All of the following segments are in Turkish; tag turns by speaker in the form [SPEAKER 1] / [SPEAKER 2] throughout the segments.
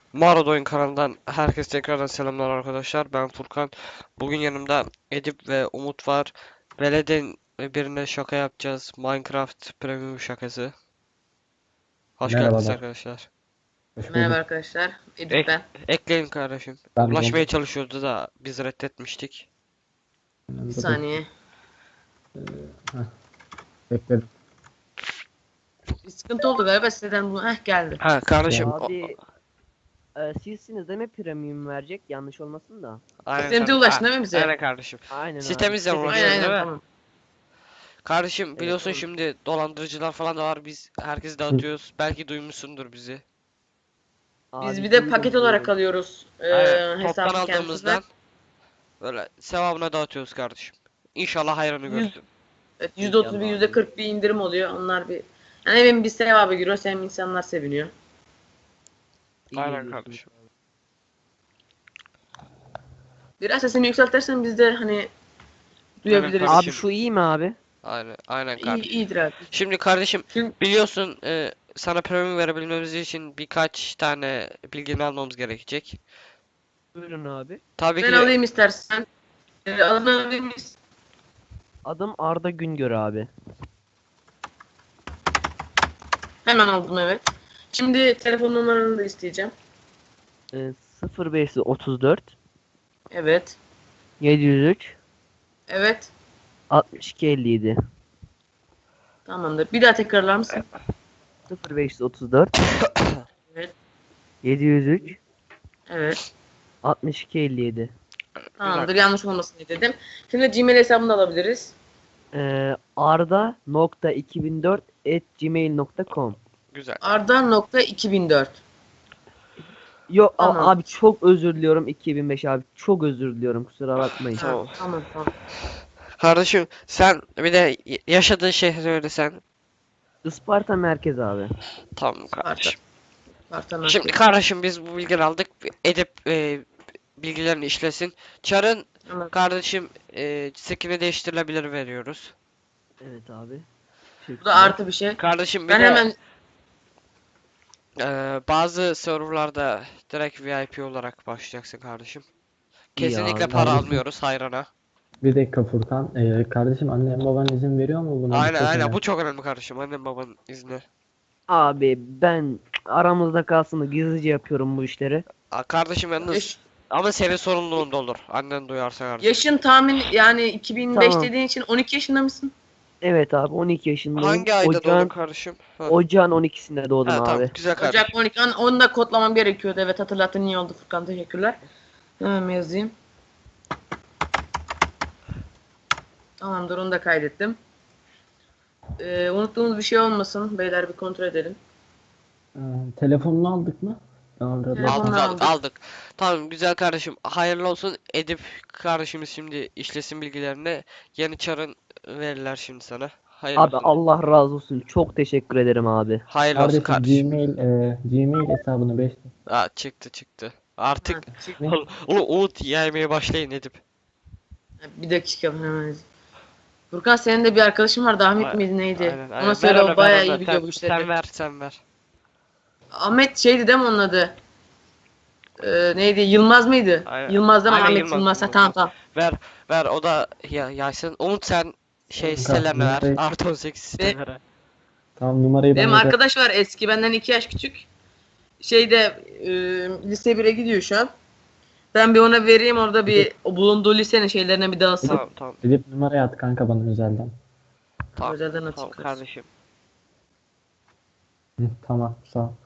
[SPEAKER 1] Mağara Oyun kanalından herkese tekrardan selamlar arkadaşlar. Ben Furkan. Bugün yanımda Edip ve Umut var. Veled'in birine şaka yapacağız. Minecraft Premium şakası. Hoş geldiniz
[SPEAKER 2] Merhabalar.
[SPEAKER 1] arkadaşlar.
[SPEAKER 2] Hoş
[SPEAKER 3] Merhaba
[SPEAKER 2] bulduk.
[SPEAKER 3] arkadaşlar. Edip
[SPEAKER 1] Ek
[SPEAKER 3] ben.
[SPEAKER 1] ekleyin kardeşim.
[SPEAKER 2] Ben de
[SPEAKER 1] Ulaşmaya çalışıyordu da biz reddetmiştik.
[SPEAKER 3] Bir saniye.
[SPEAKER 2] Heh, bekledim.
[SPEAKER 3] Bir sıkıntı oldu galiba siteden bu. Heh geldi.
[SPEAKER 1] Ha kardeşim.
[SPEAKER 4] Abi sizsiniz değil mi premium verecek? Yanlış olmasın da.
[SPEAKER 1] Aynen
[SPEAKER 3] Sistemde
[SPEAKER 1] kardeşim.
[SPEAKER 3] ulaştın değil mi bize?
[SPEAKER 1] Aynen kardeşim.
[SPEAKER 4] Aynen
[SPEAKER 1] Sitemizden
[SPEAKER 4] abi.
[SPEAKER 1] ulaşıyoruz
[SPEAKER 3] Aynen
[SPEAKER 1] değil mi?
[SPEAKER 3] tamam.
[SPEAKER 1] Kardeşim biliyorsun
[SPEAKER 4] Evet.
[SPEAKER 1] şimdi dolandırıcılar falan da var. Biz herkesi dağıtıyoruz. Belki duymuşsundur bizi.
[SPEAKER 3] Biz
[SPEAKER 4] Abi
[SPEAKER 3] bir de
[SPEAKER 4] duydum,
[SPEAKER 3] paket olarak
[SPEAKER 4] duydum.
[SPEAKER 3] alıyoruz.
[SPEAKER 1] Aynen. Toptan
[SPEAKER 3] Hesabı
[SPEAKER 1] aldığımızdan
[SPEAKER 3] kendisine.
[SPEAKER 1] böyle sevabına dağıtıyoruz kardeşim. İnşallah hayrını
[SPEAKER 3] Yüz-
[SPEAKER 1] görsün.
[SPEAKER 3] Evet, %30 bir %40 bir indirim oluyor. Onlar bir yani hem bir sevabı giriyor hem insanlar seviniyor.
[SPEAKER 4] İyi
[SPEAKER 1] Aynen
[SPEAKER 4] diyorsun.
[SPEAKER 1] kardeşim.
[SPEAKER 3] Biraz sesini yükseltirsen biz de hani duyabiliriz.
[SPEAKER 1] kardeşim.
[SPEAKER 4] Abi şu iyi mi abi?
[SPEAKER 1] Aynen
[SPEAKER 3] İyi,
[SPEAKER 1] kardeşim.
[SPEAKER 3] iyidir abi.
[SPEAKER 1] Şimdi kardeşim
[SPEAKER 3] Şimdi
[SPEAKER 1] biliyorsun sana premium verebilmemiz için birkaç tane bilgini almamız gerekecek.
[SPEAKER 4] Buyurun abi.
[SPEAKER 1] Tabii
[SPEAKER 3] ben
[SPEAKER 1] ki
[SPEAKER 3] alayım istersen. Adını alayım mıyız?
[SPEAKER 4] Adım Arda Güngör abi.
[SPEAKER 3] Hemen aldım evet. Şimdi telefon numaranı da isteyeceğim.
[SPEAKER 4] 0534
[SPEAKER 3] Evet.
[SPEAKER 4] 703
[SPEAKER 3] Evet.
[SPEAKER 4] 6257
[SPEAKER 3] Tamamdır. Bir daha tekrarlar mısın?
[SPEAKER 4] 0534
[SPEAKER 3] Evet.
[SPEAKER 4] 703
[SPEAKER 3] Evet.
[SPEAKER 4] 6257
[SPEAKER 3] Tamamdır. Yanlış olmasın diye dedim. Şimdi Gmail hesabını da alabiliriz.
[SPEAKER 4] arda.2004@gmail.com.
[SPEAKER 1] güzel.
[SPEAKER 3] Arda.2004.
[SPEAKER 4] Yok
[SPEAKER 3] Tamam.
[SPEAKER 4] abi çok özür diliyorum 2005 abi. Çok özür diliyorum kusura bakmayın.
[SPEAKER 1] Tamam.
[SPEAKER 3] Tamam.
[SPEAKER 1] Kardeşim sen bir de yaşadığın şehri söylesen.
[SPEAKER 4] Isparta merkez abi.
[SPEAKER 1] Tamam kardeşim.
[SPEAKER 3] Sparta
[SPEAKER 1] Şimdi kardeşim biz bu bilgileri aldık. Edip bilgilerini işlesin. Çar'ın
[SPEAKER 3] Tamam.
[SPEAKER 1] kardeşim skin'i değiştirilebilir veriyoruz.
[SPEAKER 4] Evet abi.
[SPEAKER 3] Bu da artı bir şey.
[SPEAKER 1] Kardeşim bir
[SPEAKER 3] Ben
[SPEAKER 1] de
[SPEAKER 3] hemen
[SPEAKER 1] bazı serverlarda direkt VIP olarak başlayacaksın kardeşim. Kesinlikle
[SPEAKER 4] abi.
[SPEAKER 1] para
[SPEAKER 2] Kardeşim.
[SPEAKER 1] almıyoruz hayrana.
[SPEAKER 2] Bir dakika Furkan. Kardeşim annen baban izin veriyor mu buna? Bu
[SPEAKER 1] Aynen
[SPEAKER 2] çok
[SPEAKER 1] aynen
[SPEAKER 2] önemli.
[SPEAKER 1] bu çok önemli kardeşim. Annem babanın izni.
[SPEAKER 4] Abi ben aramızda kalsın da gizlice yapıyorum bu işleri.
[SPEAKER 1] Kardeşim yalnız
[SPEAKER 3] yaş-
[SPEAKER 1] ama senin sorumluluğunda olur. Annen duyarsa kardeşim.
[SPEAKER 3] yaşın tahmin yani 2005
[SPEAKER 4] Tamam.
[SPEAKER 3] dediğin için 12 yaşında mısın?
[SPEAKER 4] Evet abi 12 yaşındayım.
[SPEAKER 1] Hangi ayda doğdun
[SPEAKER 4] Ocağın,
[SPEAKER 1] kardeşim? Ha.
[SPEAKER 4] ocağın 12'sinde doğdum
[SPEAKER 1] Ha,
[SPEAKER 4] abi.
[SPEAKER 1] tamam güzel kardeşim.
[SPEAKER 3] Ocak 12. Onu da kodlamam gerekiyordu. Evet hatırlattın iyi oldu Furkan teşekkürler. Hemen yazayım. Tamamdır onu da kaydettim. Unuttuğumuz bir şey olmasın. Beyler bir kontrol edelim.
[SPEAKER 2] Telefonunu aldık mı? Aldık.
[SPEAKER 3] Telefon-
[SPEAKER 1] Aldık. Tamam güzel kardeşim. Hayırlı olsun. Edip kardeşimiz şimdi işlesin bilgilerini. Yeni çarın verirler şimdi sana. Hayırlı
[SPEAKER 4] Abi
[SPEAKER 1] olsun.
[SPEAKER 4] Allah razı olsun. Çok teşekkür ederim abi.
[SPEAKER 1] Hayırlı olsun
[SPEAKER 2] Kardeşim
[SPEAKER 1] kardeşim.
[SPEAKER 2] Gmail hesabını 5.
[SPEAKER 1] Aa, çıktı. Artık
[SPEAKER 3] Ha, çık-
[SPEAKER 1] Umut yaymaya başlayın Edip.
[SPEAKER 3] Bir dakika hemen yazayım. Furkan senin de bir arkadaşın vardı. Ahmet miydi neydi?
[SPEAKER 1] Aynen.
[SPEAKER 3] Ona söyle
[SPEAKER 1] Ver
[SPEAKER 3] o
[SPEAKER 1] ver
[SPEAKER 3] bayağı
[SPEAKER 1] ona.
[SPEAKER 3] iyi biliyor bu işleri.
[SPEAKER 1] Sen ver.
[SPEAKER 3] Ahmet şeydi değil mi onun adı? Neydi? Yılmaz mıydı?
[SPEAKER 1] Aynen.
[SPEAKER 3] Yılmaz değil mi?
[SPEAKER 1] Aynen,
[SPEAKER 3] Ahmet
[SPEAKER 1] Yılmaz,
[SPEAKER 3] Yılmaz. Ha,
[SPEAKER 1] Yılmaz.
[SPEAKER 3] tamam.
[SPEAKER 1] Ver o da yaysın. Umut sen
[SPEAKER 2] Kanka,
[SPEAKER 1] sitelerine ver.
[SPEAKER 2] numarayı-
[SPEAKER 1] Artı 18 sitelere.
[SPEAKER 2] Tamam numarayı
[SPEAKER 3] Benim
[SPEAKER 2] bana
[SPEAKER 3] arkadaş var eski benden 2 yaş küçük. Şeyde lise 1'e gidiyor şu an. Ben bir ona vereyim orada bir o bulunduğu lisenin şeylerine bir dağılsın.
[SPEAKER 1] Tamam.
[SPEAKER 2] Edip numarayı at kanka bana özelden.
[SPEAKER 1] Tamam.
[SPEAKER 3] Özelden
[SPEAKER 1] Tamam
[SPEAKER 3] açıklarız.
[SPEAKER 1] kardeşim.
[SPEAKER 2] Hı, tamam sağ ol.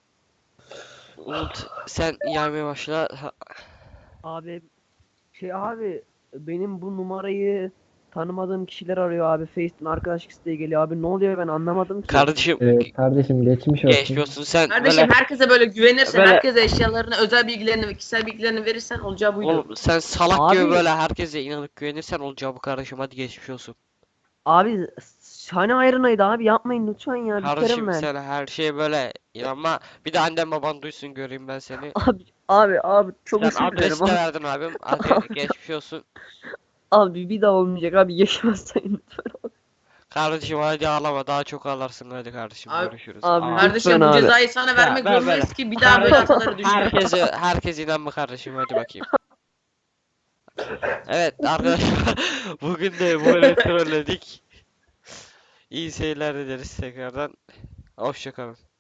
[SPEAKER 1] Umut sen yaymaya başla.
[SPEAKER 4] Abi abi benim bu numarayı tanımadığım kişiler arıyor abi. Face'ten arkadaşlık isteği geliyor abi. Ne oluyor ben anlamadım ki.
[SPEAKER 1] Kardeşim
[SPEAKER 2] Kardeşim geçmiş olsun.
[SPEAKER 1] geçmiyorsun sen
[SPEAKER 3] Kardeşim
[SPEAKER 1] böyle
[SPEAKER 3] herkese böyle güvenirsen,
[SPEAKER 1] böyle-
[SPEAKER 3] herkese eşyalarını, özel bilgilerini ve kişisel bilgilerini verirsen olacağı buydu.
[SPEAKER 1] oğlum sen salak gibi
[SPEAKER 4] Abi-
[SPEAKER 1] böyle herkese inanıp güvenirsen olacağı bu kardeşim hadi geçmiş olsun.
[SPEAKER 4] Abi hani ayrınaydı abi yapmayın lütfen ya. Bir kere
[SPEAKER 1] Kardeşim
[SPEAKER 4] ben.
[SPEAKER 1] sen her şeye böyle inanma. Bir de annem baban duysun göreyim ben seni.
[SPEAKER 4] Abi çok
[SPEAKER 1] Sen
[SPEAKER 4] özür dilerim
[SPEAKER 1] adresi de
[SPEAKER 4] abi.
[SPEAKER 1] verdin abim. Hadi geçmiş olsun.
[SPEAKER 4] Abi bir daha olmayacak abi yaşamazsan lütfen.
[SPEAKER 1] Kardeşim hadi ağlama, daha çok ağlarsın, hadi kardeşim
[SPEAKER 3] Abi-
[SPEAKER 1] görüşürüz.
[SPEAKER 4] Abi,
[SPEAKER 1] Aa,
[SPEAKER 3] Kardeşim
[SPEAKER 4] Lütfen
[SPEAKER 3] bu
[SPEAKER 4] abi.
[SPEAKER 3] cezayı sana vermek
[SPEAKER 1] ver,
[SPEAKER 3] zorundayız
[SPEAKER 1] ver.
[SPEAKER 3] ki bir daha böyle hataları düşme.
[SPEAKER 1] herkes inanma kardeşim, hadi bakayım. Evet arkadaşlar, bugün de böyle trolledik. İyi seyirler dileriz tekrardan. Hoşça kalın.